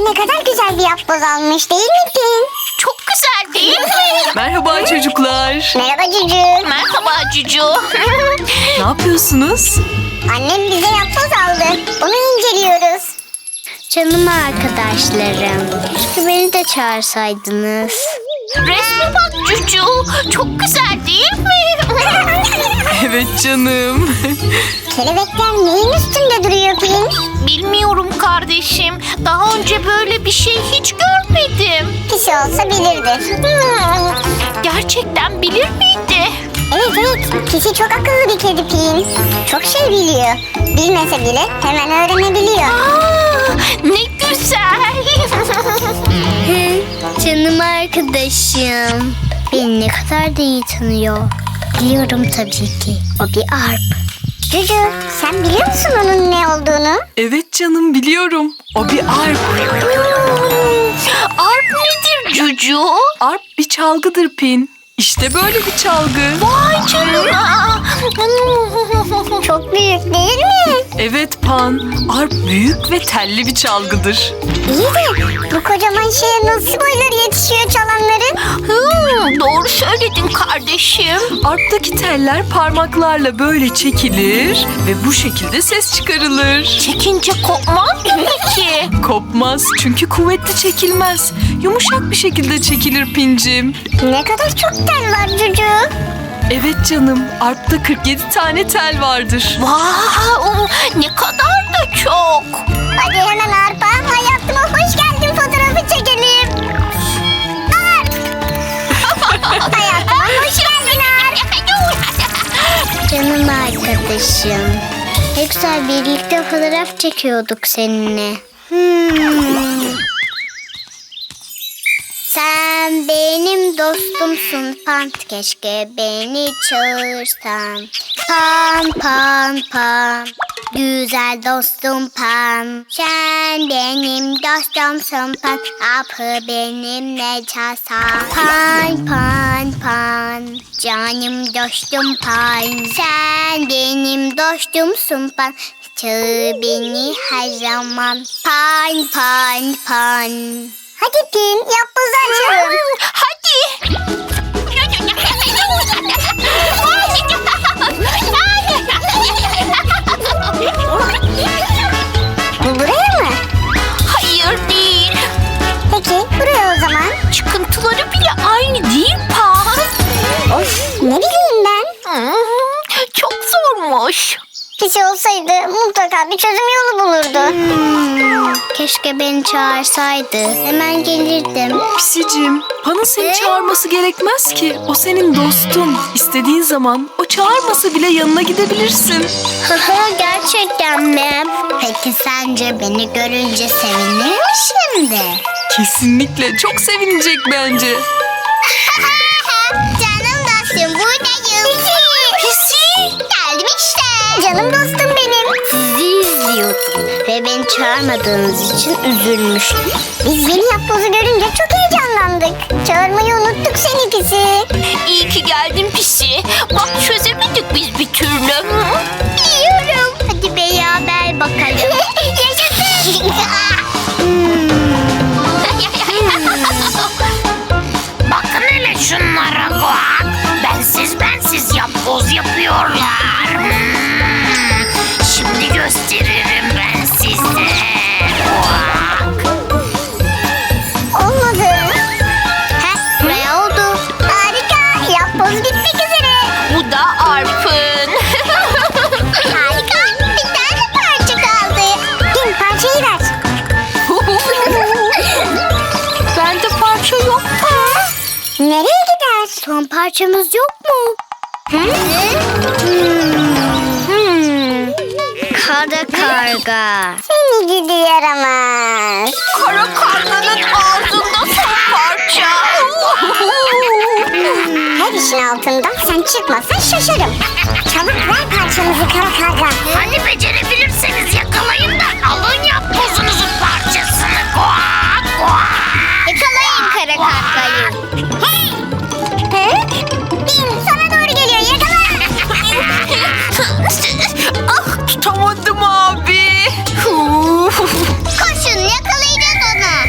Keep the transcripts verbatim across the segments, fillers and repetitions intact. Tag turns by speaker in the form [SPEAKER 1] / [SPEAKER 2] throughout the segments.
[SPEAKER 1] ne kadar güzel bir yapboz almış değil mi Pin?
[SPEAKER 2] Çok güzel değil mi?
[SPEAKER 3] Merhaba çocuklar.
[SPEAKER 1] Merhaba Cücü.
[SPEAKER 2] Merhaba Cucu.
[SPEAKER 3] Ne yapıyorsunuz?
[SPEAKER 1] Annem bize yapboz aldı. Onu inceliyoruz.
[SPEAKER 4] Canım arkadaşlarım, keşke beni de çağırsaydınız.
[SPEAKER 2] Resme bak Cucu. Çok güzel değil mi?
[SPEAKER 3] Evet canım.
[SPEAKER 1] Kelebekler neyin üstünde duruyor Pin?
[SPEAKER 2] Bilmiyorum kardeşim. Daha önce böyle bir şey hiç görmedim.
[SPEAKER 1] Pisi olsa bilirdi.
[SPEAKER 2] Gerçekten bilir miydi?
[SPEAKER 1] Evet evet. Pisi çok akıllı bir kedi Pin. Çok şey biliyor. Bilmese bile hemen öğrenebiliyor.
[SPEAKER 2] Aa, ne güzel.
[SPEAKER 4] Hı, canım arkadaşım. Beni ne kadar da iyi tanıyor. Biliyorum tabii ki. O bir arp.
[SPEAKER 1] Cücü sen biliyor musun onun ne olduğunu?
[SPEAKER 3] Evet canım biliyorum. O bir arp.
[SPEAKER 2] Arp nedir Cucu?
[SPEAKER 3] Arp bir çalgıdır Pin. İşte böyle bir çalgı.
[SPEAKER 2] Vay canına.
[SPEAKER 1] Çok büyük değil mi?
[SPEAKER 3] Evet Pan. Arp büyük ve telli bir çalgıdır.
[SPEAKER 1] İyi de bu kocaman şeye nasıl boyları yetişiyor çalanların?
[SPEAKER 2] Hmm, doğru söyledin kardeşim.
[SPEAKER 3] Arp'taki teller parmaklarla böyle çekilir ve bu şekilde ses çıkarılır.
[SPEAKER 2] Çekince kopmaz mı ki?
[SPEAKER 3] Kopmaz çünkü kuvvetli çekilmez. Yumuşak bir şekilde çekilir Pincim.
[SPEAKER 1] Ne kadar çok tel var Cücü.
[SPEAKER 3] Evet canım, Arp'ta kırk yedi tane tel vardır.
[SPEAKER 2] Wow, ne kadar da çok.
[SPEAKER 1] Hadi hemen Arpa hayatıma hoş geldin fotoğrafı çekelim. Arp! Hayatıma hoş geldin Arp.
[SPEAKER 4] Canım arkadaşım. Ne güzel birlikte fotoğraf çekiyorduk seninle. Hmm. Sen benim dostumsun Pan, keşke beni çağırsan. Pan pan pan, güzel dostum Pan. Sen benim dostumsun Pan, apı benimle çalsan. Pan pan pan, canım dostum Pan. Sen benim dostumsun Pan, çağır beni her zaman. Pan pan pan.
[SPEAKER 1] Hadi Pin yapbozu açalım.
[SPEAKER 2] Hadi.
[SPEAKER 1] Bu buraya mı?
[SPEAKER 2] Hayır değil.
[SPEAKER 1] Peki buraya o zaman.
[SPEAKER 2] Çıkıntıları bile aynı değil Pan.
[SPEAKER 1] Of ne bileyim ben.
[SPEAKER 2] Hmm, çok zormuş.
[SPEAKER 1] Pisi olsaydı mutlaka bir çözüm yolu bulurdu.
[SPEAKER 4] Hmm, keşke beni çağırsaydı. Hemen gelirdim.
[SPEAKER 3] Pisicim, Pan'ın seni çağırması gerekmez ki. O senin dostun. İstediğin zaman o çağırmasa bile yanına gidebilirsin.
[SPEAKER 4] Haha, gerçekten mi? Peki sence beni görünce sevinir mi şimdi?
[SPEAKER 3] Kesinlikle çok sevinecek bence.
[SPEAKER 4] Canım dostum buradayım.
[SPEAKER 1] Pisi.
[SPEAKER 4] Geldim işte.
[SPEAKER 1] Canım dostum benim.
[SPEAKER 4] Sizi izliyordum ve beni çağırmadığınız için üzülmüştüm.
[SPEAKER 1] Biz yeni yapbozu görünce çok heyecanlandık. Çağırmayı unuttuk seni Pisi.
[SPEAKER 2] İyi ki geldin Pisi. Bak çözemedik biz bir türlü.
[SPEAKER 4] Biliyorum. Hadi beraber bakalım.
[SPEAKER 1] Yaşasın.
[SPEAKER 2] Bakın hele şunlara bak. Bensiz bensiz yapboz yapıyorlar. Hmm. Şimdi gösteririm ben size. Bak.
[SPEAKER 1] Olmadı.
[SPEAKER 4] Heh, ne oldu?
[SPEAKER 1] Harika. Yapboz bitmek üzere.
[SPEAKER 2] Bu da Arp'ın.
[SPEAKER 1] Harika. Bir tane parça kaldı. Pin parçayı ver.
[SPEAKER 2] Bende parça yok.
[SPEAKER 1] Nereye gider?
[SPEAKER 4] Son parçamız yok mu?
[SPEAKER 1] Hı?
[SPEAKER 4] Hmm. Kara karga.
[SPEAKER 1] Seni gidi yaramaz.
[SPEAKER 2] Kara karganın ağzında son parça.
[SPEAKER 1] Her işin altından sen çıkmasan şaşarım. Çabuk ver parçamızı kara karga.
[SPEAKER 2] Hadi becerebilirseniz yakalayın da alın yapbozunuzun parçasını. Kuak kuak.
[SPEAKER 4] Yakalayın kara kargayı.
[SPEAKER 1] Hey! Hı? Bin sana doğru geliyor yakala.
[SPEAKER 2] Ah,
[SPEAKER 3] Tutamadım abi.
[SPEAKER 4] Koşun yakalayacağız onu.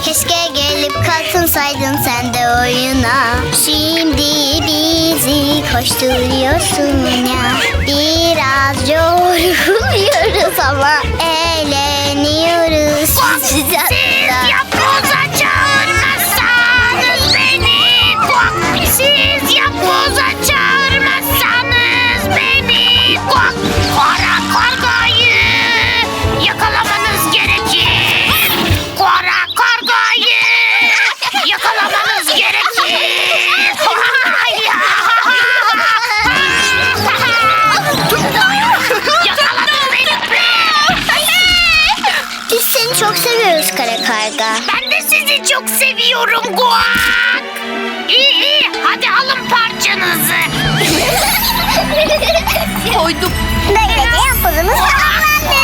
[SPEAKER 4] Keşke gelip katılsaydın sen de oyuna. Şimdi bizi koşturuyorsun ya. Biraz yoruluyoruz ama eğleniyoruz.
[SPEAKER 2] Siz yapboza çağırmazsanız beni. Kuak. Siz yapboza çağırmazsanız beni. Kuak. Kara kargayı yakalamanız gerekir. Kara kargayı yakalamanız gerekir. Yakaladın beni.
[SPEAKER 4] Biz seni çok seviyoruz kara karga.
[SPEAKER 2] Ben de sizi çok seviyorum Guak. İyi iyi hadi alın parçanızı.
[SPEAKER 3] Koydum.
[SPEAKER 1] Böylece yapbozumuz tamamlandı.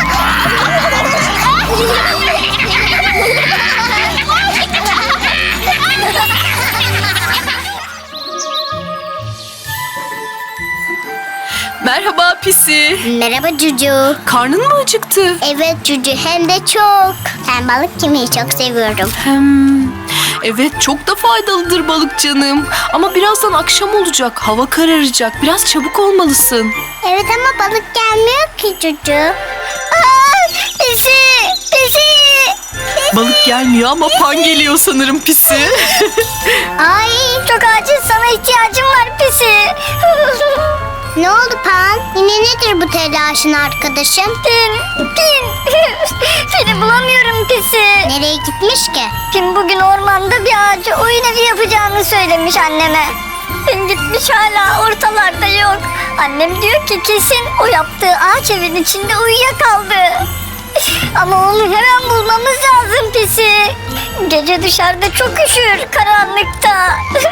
[SPEAKER 3] Merhaba Pisi.
[SPEAKER 4] Merhaba Cucu.
[SPEAKER 3] Karnın mı acıktı?
[SPEAKER 4] Evet Cucu hem de çok. Ben balık yemeyi çok seviyorum.
[SPEAKER 3] Hem, evet çok da faydalıdır balık canım. Ama birazdan akşam olacak. Hava kararacak. Biraz çabuk olmalısın.
[SPEAKER 4] Evet ama balık gelmiyor ki Cucu. Aa, pisi, pisi.
[SPEAKER 3] Balık gelmiyor ama pan geliyor sanırım Pisi.
[SPEAKER 4] Ay çok acil sana ihtiyacım var pisi. Ne oldu Pan? Yine nedir bu telaşın arkadaşım? Pin, Pin. Seni bulamıyorum pisi. Nereye gitmiş ki? Pin bugün ormanda bir ağaca oyun evi yapacağını söylemiş anneme. Pin gitmiş hala ortalarda yok. Annem diyor ki kesin o yaptığı ağaç evin içinde uyuyakaldı. Ama onu hemen bulmamız lazım pisi. Gece dışarıda çok üşür karanlıkta.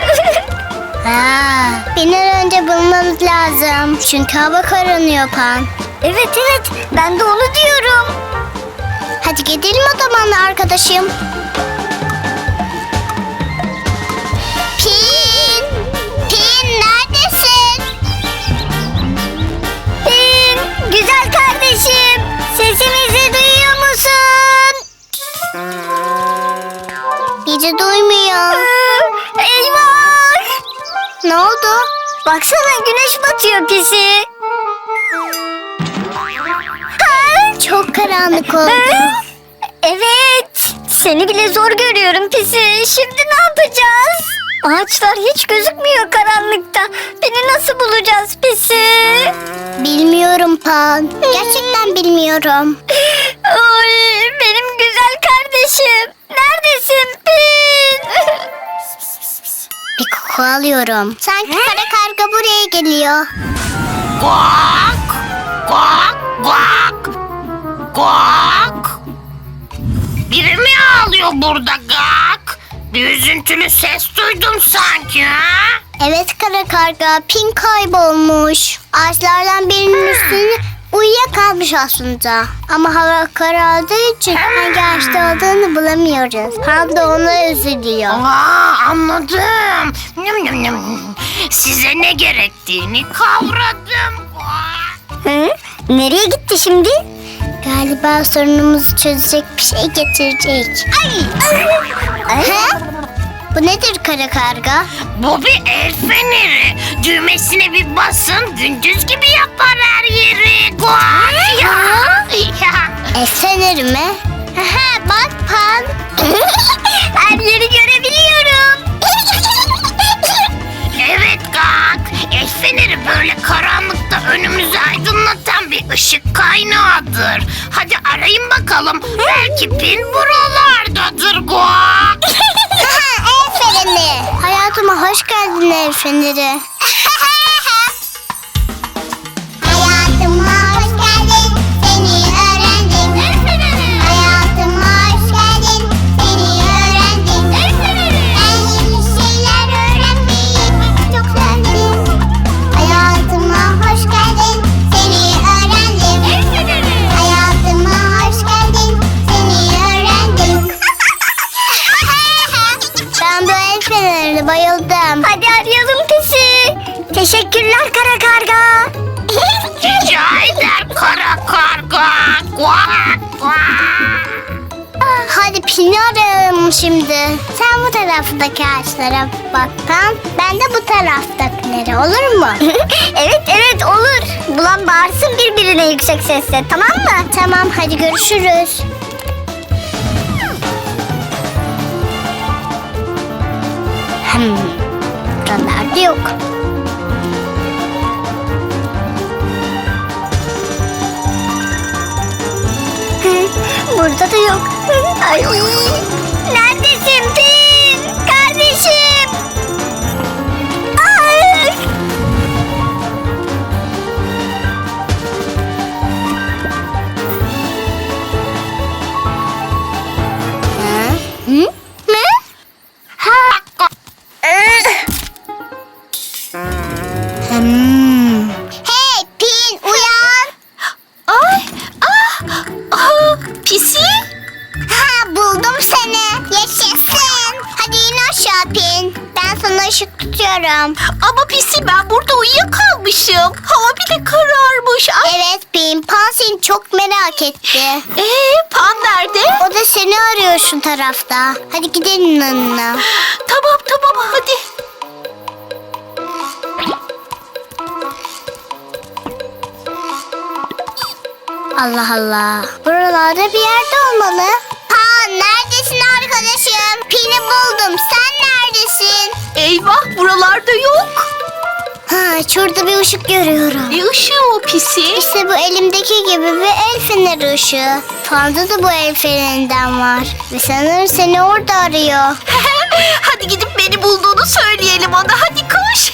[SPEAKER 4] Ha, bir an önce bulmamız lazım. Çünkü hava kararıyor Pan. Evet evet ben de onu diyorum. Hadi gidelim o zaman arkadaşım. Pin! Pin neredesin? Pin! Güzel kardeşim! Sesimizi duyuyor musun? Bizi duymuyor. Eyvah! Ne oldu? Baksana güneş batıyor pisi. Ha, çok karanlık oldu. Evet. Seni bile zor görüyorum pisi. Şimdi ne yapacağız? Ağaçlar hiç gözükmüyor karanlıkta. Beni nasıl bulacağız pisi? Bilmiyorum Pan. Gerçekten bilmiyorum. Oy, benim güzel kardeşim. Neredesin Pin? Bir koku alıyorum. Sanki kara karga buraya geliyor.
[SPEAKER 2] Guak. Guak. Guak. Guak. Biri mi ağlıyor burada Gak? Bir üzüntülü ses duydum sanki ha?
[SPEAKER 4] Evet kara karga, Pin kaybolmuş. Ağaçlardan birinin üstüne uyuyakalmış aslında. Ama hava karardığı için hangi ağaçta olduğunu bulamıyoruz. Pan da ona üzülüyor.
[SPEAKER 2] Aa, anladım. Nyam, nyam, nyam. Size ne gerektiğini kavradım. Guak.
[SPEAKER 4] Hı? Nereye gitti şimdi? Galiba sorunumuzu çözecek bir şey getirecek. Ay! Ha? Bu nedir kara karga?
[SPEAKER 2] Bu bir el feneri. Düğmesine bir basın, gündüz gibi yapar her yeri. Guak. Ya. Ya.
[SPEAKER 4] El feneri mi? Ha, bak Pan. Her yeri görebiliyorum.
[SPEAKER 2] Evet Gak. El feneri böyle karanlıkta önümüzü aydınlatan bir ışık kaynağıdır. Hadi arayın bakalım. Belki Pin buralardadır Guak.
[SPEAKER 4] El feneri. Hayatıma hoş geldin el feneri. Hayatıma hoş geldin, seni öğrendim. Hayatıma hoş geldin, seni öğrendim. Ben yeni şeyler öğrenmeyi çok sevdim. Hayatıma hoş geldin, seni öğrendim. Hayatıma hoş geldin, seni öğrendim. Ben bu el fenerine bayıldım. Hadi arayalım pisi. Teşekkürler kara karga.
[SPEAKER 2] Rica eder kara karga. Guak guak.
[SPEAKER 4] Hadi Pin'i arayalım şimdi. Sen bu taraftaki ağaçlara bak Pan. Ben de bu taraftakilere, olur mu? evet evet olur. Bulan bağırsın birbirine yüksek sesle, tamam mı? Tamam, hadi görüşürüz. Hmm, buralarda yok. Burada da yok. Ay. Neredesin Pin? Kardeşim. Ay. Ha? Hı? Ne? Ha. Hmm. Hey Pin, uyan.
[SPEAKER 2] Ay, ah, ah, Pisi.
[SPEAKER 4] Ha, buldum seni. Yaşasın. Hadi in aşağı Pin. Ben sana ışık tutuyorum.
[SPEAKER 2] Ama Pisi, ben burada uyuyakalmışım. Hava bile kararmış. Ay.
[SPEAKER 4] Evet Pin. Pan seni çok merak etti.
[SPEAKER 2] Ee, Pan nerede?
[SPEAKER 4] O da seni arıyor şu tarafta. Hadi gidelim yanına.
[SPEAKER 2] Tamam tamam hadi.
[SPEAKER 4] Allah Allah. Buralarda bir yerde olmalı. Pan neredesin arkadaşım? Pin'i buldum. Sen neredesin?
[SPEAKER 2] Eyvah, buralarda yok.
[SPEAKER 4] Ha, şurada bir ışık görüyorum.
[SPEAKER 2] Ne ışığı o Pisi?
[SPEAKER 4] İşte bu elimdeki gibi bir el feneri ışığı. Panda da bu el fenerinden var. Ve sanırım seni orada arıyor.
[SPEAKER 2] Hadi gidip beni bulduğunu söyleyelim ona. Hadi koş.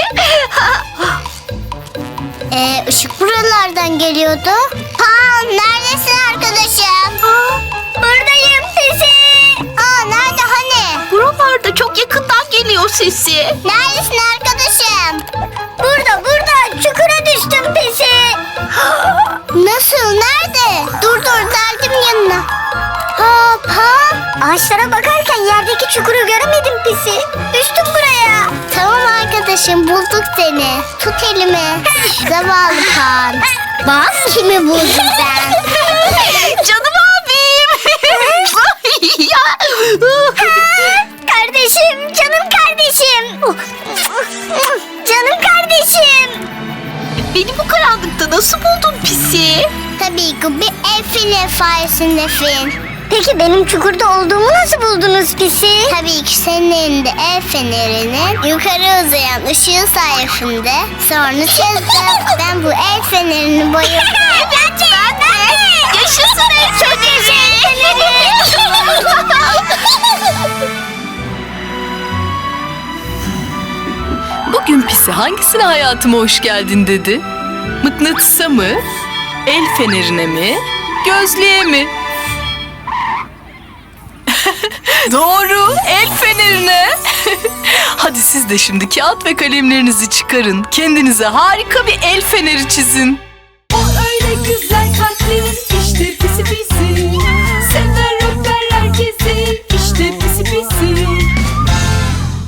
[SPEAKER 4] Ee, ışık buralardan geliyordu. Pan neredesin arkadaşım? Buradayım Pisi. Aa, nerede hani?
[SPEAKER 2] Buralarda çok yakından geliyor sesi.
[SPEAKER 4] Neredesin arkadaşım? Burada burada çukura düştüm Pisi. Nasıl, nerede? Dur dur, geldim yanına. Ha Pan, ağaçlara bakarken yerdeki çukuru göremedim Pisi. Düştüm buraya. Tamam arkadaşım, bulduk seni. Tut elimi. Zavallı Pan. Bak kimi buldum ben.
[SPEAKER 2] Canım abim. Ya.
[SPEAKER 4] Kardeşim, canım kardeşim. Canım kardeşim.
[SPEAKER 2] Beni bu karanlıkta nasıl buldun Pisi?
[SPEAKER 4] Tabii ki bir el feneri sayesinde Fin. Peki benim çukurda olduğumu nasıl buldunuz Pisi? Tabii ki senin elinde el fenerinin yukarı uzayan ışığı sayesinde. Sonra çözdüm. Ben bu el fenerini bayıldım.
[SPEAKER 2] Ben de. Ben de. Yaşasın el feneri.
[SPEAKER 3] Bugün Pisi hangisine hayatıma hoş geldin dedi? Mıknatısa mı? El fenerine mi? Gözlüğe mi? Doğru, el fenerine. Hadi siz de şimdi kağıt ve kalemlerinizi çıkarın. Kendinize harika bir el feneri çizin. O öyle güzel